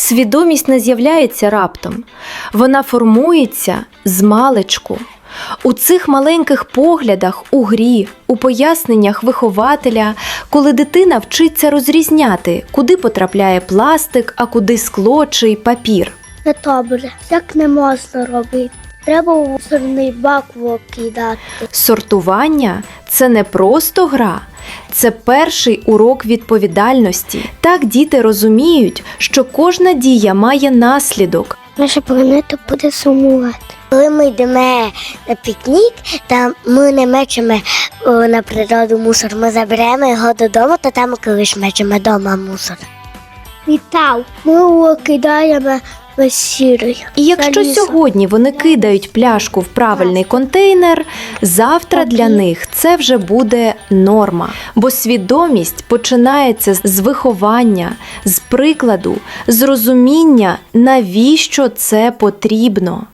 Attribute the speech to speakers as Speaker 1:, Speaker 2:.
Speaker 1: Свідомість не з'являється раптом. Вона формується змалечку. У цих маленьких поглядах, у грі, у поясненнях вихователя, коли дитина вчиться розрізняти, куди потрапляє пластик, а куди скло чи папір.
Speaker 2: Не добре, так не можна робити. Треба у мусорний бак викидати.
Speaker 1: Сортування – це не просто гра, це перший урок відповідальності. Так діти розуміють, що кожна дія має наслідок.
Speaker 2: Наша планета буде сумувати. Коли ми йдемо на пікнік, та ми не мечемо на природу мусор, ми заберемо його додому, та там колись мечемо вдома мусор. Вітав, ми кидаємо весь сірий.
Speaker 1: І якщо сьогодні вони кидають пляшку в правильний контейнер, завтра для них це вже буде норма. Бо свідомість починається з виховання, з прикладу, з розуміння, навіщо це потрібно.